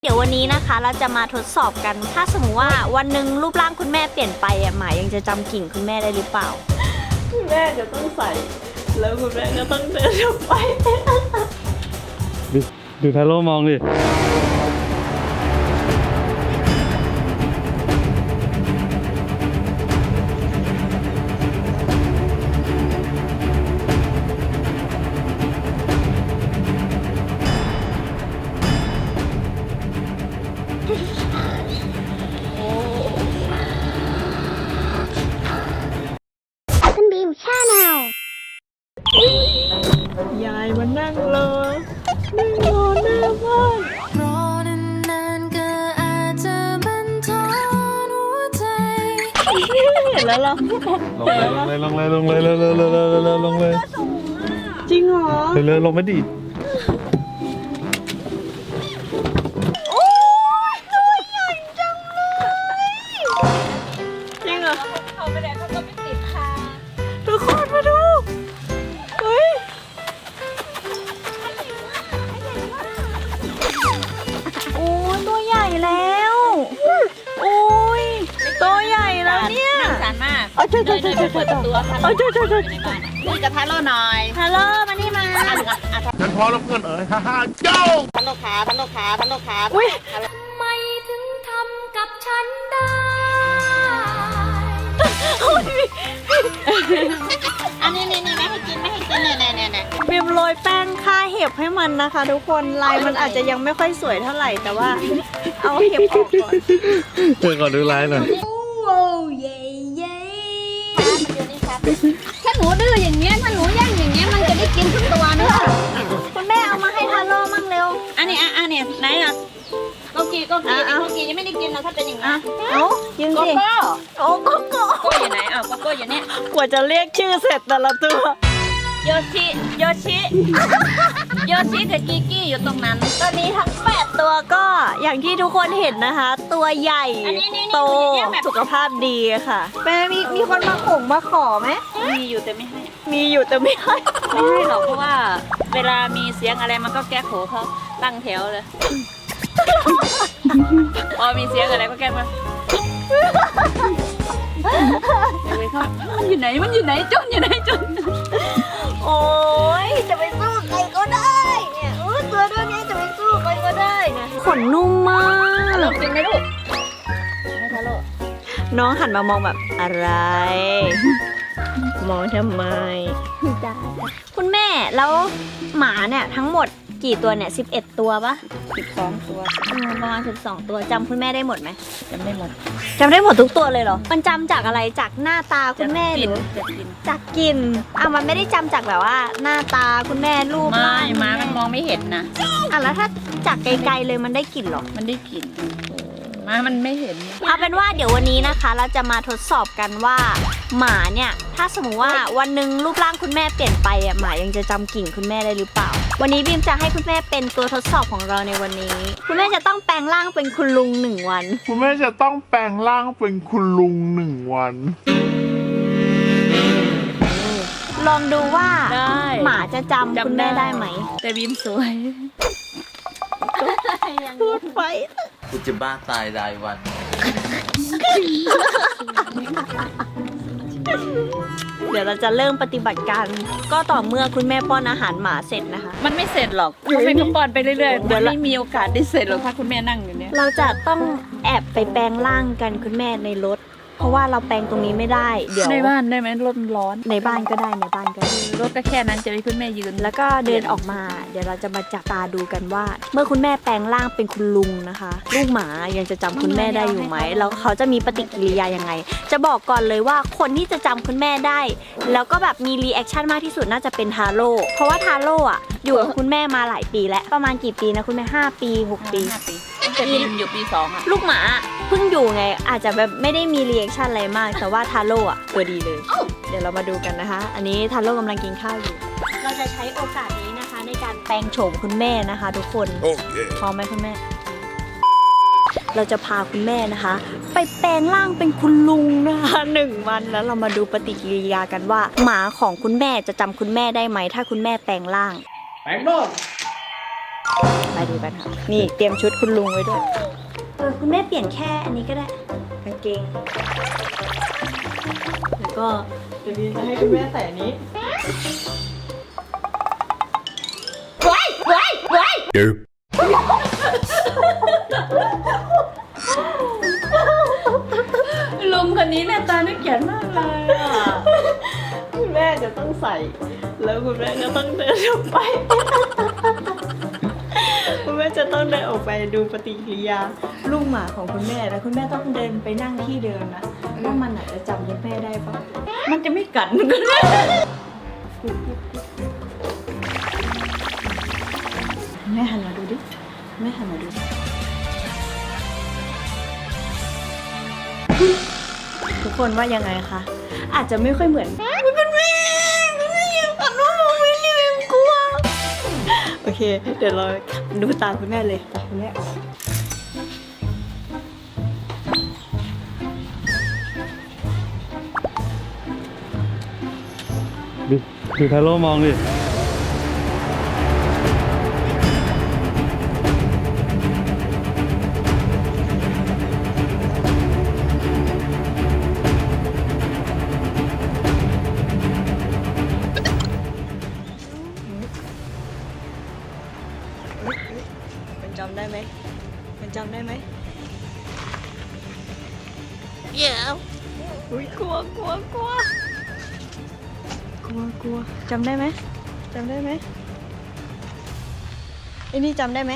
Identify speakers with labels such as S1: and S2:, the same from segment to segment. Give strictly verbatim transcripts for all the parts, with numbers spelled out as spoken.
S1: เดี๋ยววันนี้นะคะเราจะมาทดสอบกันถ้าสมมติว่าวันหนึ่งรูปร่างคุณแม่เปลี่ยนไปอ่ะหมายยังจะจำกิ่งคุณแม่ได้หรือเปล่าคุณแม่จะต้องใส่แล้วคุณแม่ก็ต้องเดินออกไป
S2: ดูดูทาโร่มองดิ
S1: คุณบีมชาแนลยายมานั่งรอนั่งรอหน้าบ้าน
S3: รอนานๆก็อาจจะบันทอนหัวใจ
S1: เห็นแล้วเหรอ
S2: ลงเลยลงเลยลงเลยลงเลยลงเลยลงเลยลงเลย
S1: จริงเหรอ
S2: เลยลงไม่ดี
S1: โอ้ยตัวใหญ่จังเลยจริงเหรอเขาไปไหนเขาก็ไม่ติดค่ะทุกคนมาดูเฮ้ยโอ้ยตัวใหญ่แล้วโอ้ยตัวใหญ่แล้วเนี่ย
S4: น่าสงสารมาก
S1: เอาช่วยช่วยช่วยช่วย
S4: เปิดประตูค่ะ
S1: เอาช่วยช่วยช่วย
S4: คุยกับทาโร่หน่อย
S1: ฮัลโหลมานี่มา
S2: ฉันพอแล้วเพื่อนเอ๋ยฮ่าฮ่าโจ้
S4: ทาโร่ขาทาโร่ขาทาโร่ขา
S1: อุ้ย
S3: ไม่ถึงทำกับฉันได้
S4: อันนี้นี่นี่ไม่ให้กินไม่ให้กินเนี่ยเนี่ยเนี่ย
S1: บีมโรยแป้งฆ่าเห็บให้มันนะคะทุกคนลายมันอาจจะยังไม่ค่อยสวยเท่าไหร่แต่ว่าเอาเห็บออกก่อน
S2: เดี๋ยวก่อนดูลายหน่อย
S1: โอ้เย่เย่
S4: ถ้าหนูดื้ออย่างเงี้ยถ้าหนูแย่งอย่างเงี้ยมันจะได้กินทุกตัวนะ
S1: คุณแม่เอามาให้ทาโร่มั่งเร็ว
S4: อันนี้อ่ะอันนี้ไหนอ่ะโกกีโกกีโกกียังไม่ได้กินนะถ้าเป็นอย่างนี้
S1: เอายิง
S4: โก
S1: สิ
S4: โก้
S1: โอ้โกโก้
S4: โกอยู่ไหนอ้าวโกโก้อยู่เนี่ย
S1: กว่าจะเรียกชื่อเสร็จแต่ละตัว
S4: โยชิโยชิโยชิกับกิกี้อยู่ตรงนั้น
S1: ตอนนี้ทั้งแปดตัวก็อย่างที่ทุกคนเห็นนะคะ ตัวใหญ่โตสุขภาพดีค่ะแม่มีมีคนมาข่งมาขอไหม
S4: มีอยู่แต่ไม่ให้
S1: มีอยู่แต่ไม่ให้
S4: ไม่ให้หรอกเพราะว่าเวลามีเสียงอะไรมันก็แก้โขเขาตั้งแถวเลยพอมีเสียงอะไรก็แก้มามันอยู่ไหนมันอยู่ไหนจนอยู่ไหนจน
S1: โอ้ยจะไปสู้ใครก็ได้เนี่ยเออตัวตัวนี้จะไปสู้ใครก็ได้นะขนนุ่มมาก
S4: ลองกินไหมลูกให้ทาโร่
S1: น้องหันมามองแบบอะไร มองทำไมคุณแม่แล้วหมาเนี่ยทั้งหมดกี่ตัวเนี่ยสิบเอ็ดตัวปะ
S4: สิบสองตัว
S1: อืมประมาณสิบสองตัวจำคุณแม่ได้หมดไหม
S4: จำไม่หมด
S1: จำได้หมดทุกตัวเลยเหรอมันจำจากอะไรจากหน้าตาคุณแม่ห
S4: กิ
S1: รื
S4: น
S1: อ
S4: จะกิน
S1: จากกลิ่นอ่ะมันไม่ได้จำจากแบบว่า หน้าตาคุณแม่รูป
S4: ไม่
S1: ร่าง
S4: ม้ามันมองไม่เห็นนะ
S1: อ่ะแล้วถ้าจากไกลๆเลยมันได้กลิ่นเหรอ
S4: มันได้กลิ่นม้ามันไม่เห็น
S1: เอาเป็นว่าเดี๋ยววันนี้นะคะ เราจะมาทดสอบกันว่า หมาเนี่ยถ้าสมมติว่าวันหนึ่งรูปร่างคุณแม่เปลี่ยนไปอ่ะหมายังจะจำกลิ่นคุณแม่ได้หรือเปล่า วันนี้บีมจะให้คุณแม่เป็นตัวทดสอบของเราในวันนี้ คุณแม่จะต้องแปลงร่างเป็นคุณลุงหนึ่งวัน
S5: คุณแม่จะต้องแปลงร่างเป็นคุณลุงหนึ่งวัน
S1: ลองดูว่า
S4: ได้
S1: หมาจะจำคุณแม่ได้ไหม
S4: แต่บีมสวย
S1: พูดไป
S6: กูจะบ้าตายรายวัน
S1: เดี๋ยวเราจะเริ่มปฏิบัติการก็ต่อเมื่อคุณแม่ป้อนอาหารหมาเสร็จนะคะ
S4: มันไม่เสร็จหรอกเขาเป็นกระปอนไปเรื่อยๆมันไม่มีโอกาสได้เสร็จหรอกถ้าคุณแม่นั่งอยู่เนี่ย
S1: เราจะต้องแอบไปแปลงร่างกันคุณแม่ในรถ เพราะว่าเราแปลงตรงนี้ไม่ได้เดี๋ยว
S4: ในบ้านได้ไหมรถมันร้อน
S1: ในบ้านก็ได้ในบ้านก็ได้
S4: รถก็แค่นั้นจะให้คุณแม่ยืน
S1: แล้วก็เดินออกมา เดี๋ยวเราจะมาจับตาดูกันว่า เมื่อคุณแม่แปลงร่างเป็นคุณลุงนะคะลูกหมายังจะจำคุณแม่ได้อยู่ไหมแล้วเขาจะมีปฏิกิริยายังไง จะบอกก่อนเลยว่าคนที่จะจำคุณแม่ได้ แล้วก็แบบมีรีแอคชั่นมากที่สุดน่าจะเป็นทาโร่เพราะว่าทาโร่อะอยู่กับคุณแม่มาหลายปีแล้วประมาณกี่ปีนะคุณแม่ห้าปีหกปี
S4: ห้าปีตั้งแต่บีมอยู่ปีสองอ่ะ
S1: ลูกหมาเพิ่งอยู่ไงอาจจะแบบไม่ได้มีรีแอคชั่นอะไรมาก แต่ว่าทาโร่อะตัวดีเลย เดี๋ยวเรามาดูกันนะคะ อันนี้ทาโร่กำลังกินข้าวอยู่ เราจะใช้โอกาสนี้นะคะ ในการแปลงโฉมคุณแม่นะคะ ทุกคนพร้อมไหมคุณแม่ เราจะพาคุณแม่นะคะ ไปแปลงร่างเป็นคุณลุงนะคะหนึ่งวันแล้วเรามาดูปฏิกิริยากันว่า หมาของคุณแม่จะจำคุณแม่ได้ไหมถ้าคุณแม่แปลงร่าง
S5: แปลงนอก
S1: ไปดูกันค่ะ นี่เตรียมชุดคุณลุงไว้ด้วย เออคุณแม่เปลี่ยนแค่อันนี้ก็ได้กางเกง แล้วก็เดี๋ยวนี้จะให้คุณแม่ใส่อันนี้ว้ายว้ายว้ายลุงคนนี้เนี่ยตาน่าเกลียดมากเลยอ่ะ คุณแม่จะต้องใส่ แล้วคุณแม่ก็ต้องเดินออกไป คุณแม่จะต้องเดินออกไปดูปฏิกิริยาลูกหมาของคุณแม่แล้วคุณแม่ต้องเดินไปนั่งที่เดิมนะว่ามันอาจจะจำคุณแม่ได้ปะมันจะไม่กัดคุณแม่แม่หันมาดูดิแม่หันมาดูทุกคนว่ายังไงคะอาจจะไม่ค่อยเหมือนคุณแม่คุณแม่ยังกัดน้องมองไม่เลี้ยงกลัวโอเคเดี๋ยวเราดูตามคุณแม่เลยคุณแม่ออก
S2: ดูดูทาโร่มองดิ
S1: มันจำได้ไหมมันจำได้ไหม
S3: เดี๋ยว
S1: อุ้ยกลัวกลัวกลัวกลัวกลัวจำได้ไหมจำได้ไหมไอ้นี่จำได้ไหม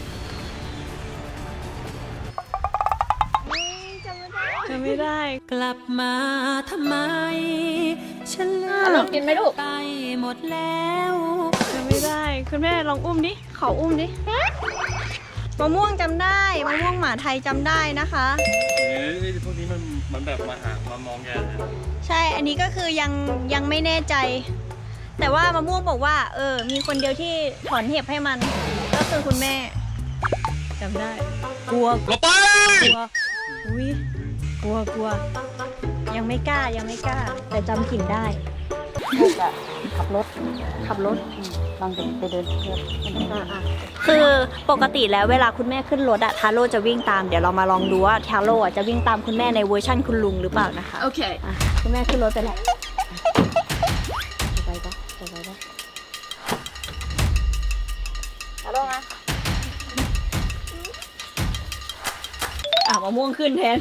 S1: จำไม่ได้
S3: กลับมาทำไม ฉันเลื
S4: ล
S3: อ
S4: อก งกินไหมลูก
S3: ไปหมดแล้ว
S1: จำไม่ได้คุณแม่ลองอุ้มดิขออุ้มดิมะม่วงจำได้มะม่วงหมาไทยจำได้นะคะ
S2: เอ้ยพวกนี้มันมันแบบมาหามามองแกเลย
S1: ใช่อันนี้ก็คือยังยังไม่แน่ใจ แต่ว่ามะม่วงบอกว่า เออ มีคนเดียวที่ถอนเห็บให้มัน ก็คือคุณแม่จำได้ กลัวกลัวไปกลัวอุ้ยกลัวกลัว ยังไม่กล้ายังไม่กล้า แต่จำกลิ่นได้ขับรถขับรถลองเดินไปเดินเที่ยวคือปกติแล้วเวลาคุณแม่ขึ้นรถอะทาโร่จะวิ่งตามเดี๋ยวเรามาลองดูว่าทาโร่อะจะวิ่งตามคุณแม่ในเวอร์ชั่นคุณลุงหรือเปล่านะคะ
S4: โอเค
S1: อ่ะคุณแม่ขึ้นรถไปแล้วจะไปปะจะไปปะทาโร่มาอ่ะมะม่วงขึ้นแทน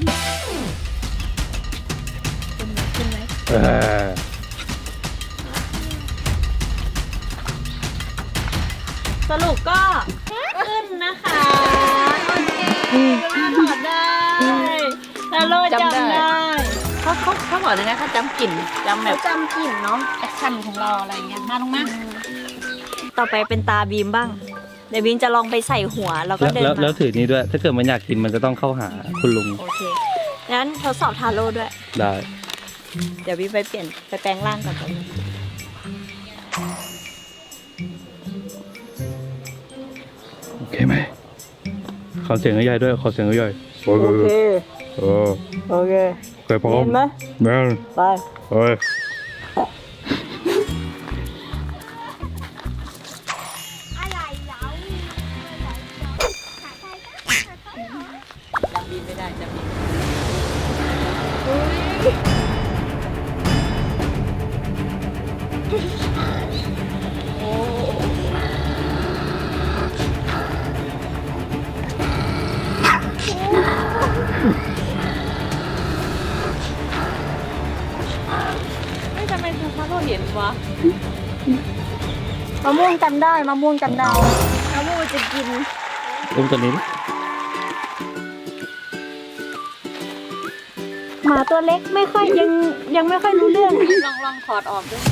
S1: ขึ้นไหม
S2: เออ
S1: สรุปก็ขึ้นนะคะโอเคคุณแม่ถอดได้ทาโร่จำ
S4: จำได้
S1: ได้
S4: เขาเขาเขาบอกเลยนะเขาจำกลิ่นจำแบ
S1: เขา
S4: บ
S1: จำกลิ่นเนาะ
S4: แอคชั่นของเราอะไรเงี้ยมาลงมา
S1: ต่อไปเป็นตาบีมบ้าง เดี๋ยวบีมจะลองไปใส่หัวแล้วก็
S2: แล้ว
S1: เดิน
S2: แล้ว
S1: มา
S2: แล้วถือนี้ด้วย ถ้าเกิดมันอยากกินมันจะต้องเข้าหาคุณลุง
S1: โอเคงั้นทดสอบทาโร่ด้วย
S2: ได้
S1: เดี๋ยวบีมไปเปลี่ยนไปแปลงร่างก่อนตอนนี้
S2: โอเคไหมขอเสียงใหญ่ๆด้วยขอเสียงใหญ่ๆโอเคเออ
S1: โอเค
S2: เคยพร้อม
S1: เห็นไหม
S2: แม่น
S1: ไป
S2: เฮ้ย
S4: จำบินไม่ได้จำบิน ไม่ทำไมทาโร่เห็นวะ
S1: มะม่วงจำได้มะม่วงจำได้มะม่วงจะกิน
S2: อุ้มตัวนี้ดิ
S1: หมาตัวเล็กไม่ค่อยยังยังไม่ค่อยรู้เรื่อง
S4: ลองลองถอดออกด้วย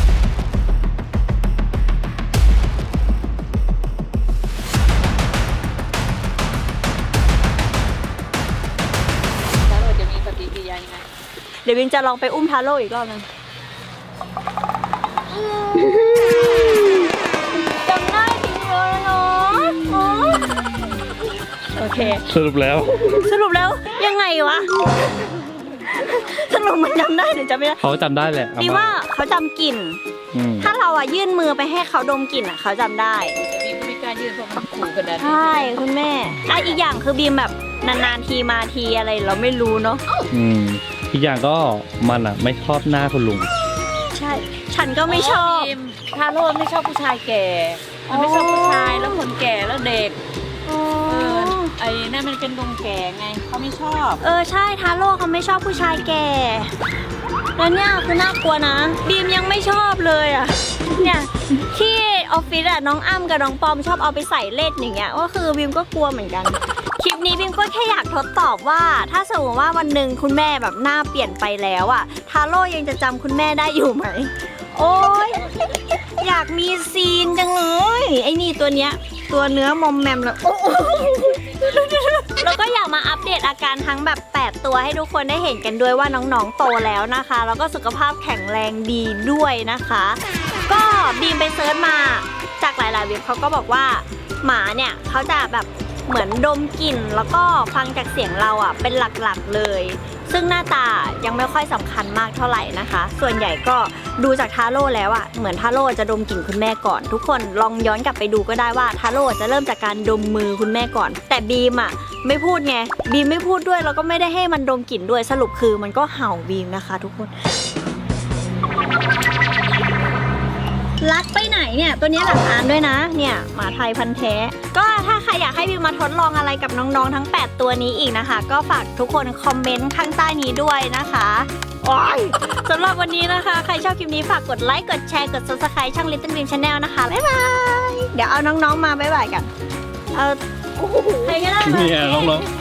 S4: ทาโร่จะมีปฏิกิริยายังไง
S1: เดี๋ยวบินจะลองไปอุ้มทาโร่อีกรอบนึงจำได้จริงเลยเนาะอ๋อโอเค
S2: สรุปแล้ว
S1: สรุปแล้วยังไงวะ สรุปมันจำได้หรือจำไม่ได้
S2: เขาจำได้แหละ
S1: ดีว่าเขาจำกลิ่น
S2: อืม
S1: ถ้าเราอะยื่นมือไปให้เขาดมกลิ่นอะเขาจำได้
S4: แต่บีมก็ไม่กล้ายืนเพราะมันขู่ขนาดนี้
S1: ใช่คุณแม่อ่ะอีกอย่างคือบีมแบบนานๆทีมาทีอะไรเราไม่รู้เนาะ
S2: อืมอีกอย่างก็มันอ่ะไม่ชอบหน้าคุณลุง
S1: ใช่ ฉันก็ไม่ชอบ
S4: พิมทาโร่ไม่ชอบผู้ชายแก่ มันไม่ชอบผู้ชายแล้วคนแก่แล้วเด็ก เออ ไอ้นั่นมันเป็นลุงแก่ไงเขาไม่ชอบ
S1: เออใช่ทาโร่เขาไม่ชอบผู้ชายแก่ แล้วเนี่ยคือน่ากลัวนะ บีมยังไม่ชอบเลยอ่ะ เนี่ยที่ออฟฟิศอะน้องอ้ำกับน้องปอมชอบเอาไปใส่เล่นอย่างเงี้ยก็คือบีมก็กลัวเหมือนกัน คลิปนี้บีมก็แค่อยากทดสอบว่า ถ้าสมมติว่าวันหนึ่งคุณแม่แบบหน้าเปลี่ยนไปแล้วอะทาโร่ยังจะจำคุณแม่ได้อยู่ไหม โอ๊ยอยากมีซีนจังเลยไอ้นี่ตัวเนี้ยตัวเนื้อมอมแมมแล้วโอ้แล้วก็อยากมาอัปเดตอาการทั้งแบบแปดตัวให้ทุกคนได้เห็นกันด้วยว่าน้องๆโตแล้วนะคะ แล้วก็สุขภาพแข็งแรงดีด้วยนะคะ ก็บีมไปเซิร์ชมาจากหลายๆเว็บเขาก็บอกว่าหมาเนี่ยเขาจะแบบเหมือนดมกลิ่นแล้วก็ฟังจากเสียงเราอ่ะเป็นหลักๆเลย ซึ่งหน้าตายังไม่ค่อยสำคัญมากเท่าไหร่นะคะ ส่วนใหญ่ก็ดูจากทาโร่แล้วอ่ะเหมือนทาโร่จะดมกลิ่นคุณแม่ก่อน ทุกคนลองย้อนกลับไปดูก็ได้ว่าทาโร่จะเริ่มจากการดมมือคุณแม่ก่อน แต่บีมอ่ะไม่พูดไงบีมไม่พูดด้วยแล้วก็ไม่ได้ให้มันดมกลิ่นด้วยสรุปคือมันก็เห่าบีมนะคะ ทุกคน รักไปไหนเนี่ยตัวนี้หลักฐานด้วยนะเนี่ยหมาไทยพันธุ์แท้ก็ถ้าใครอยากให้บิวมาทดลองอะไรกับน้องๆทั้งแปดตัวนี้อีกนะคะ ก็ฝากทุกคนคอมเมนต์ข้างใต้นี้ด้วยนะคะโอ้ยสำหรับวันนี้นะคะใครชอบคลิปนี้ฝากกดไลค์กดแชร์กด ซับสไครบ์ ช่อง Little Beam Channel นะคะบ๊ายบายเดี๋ยวเอาน้องๆมาบ๊ายบายกันเอาใครก็ได้มา
S2: เนี่ยน้องๆ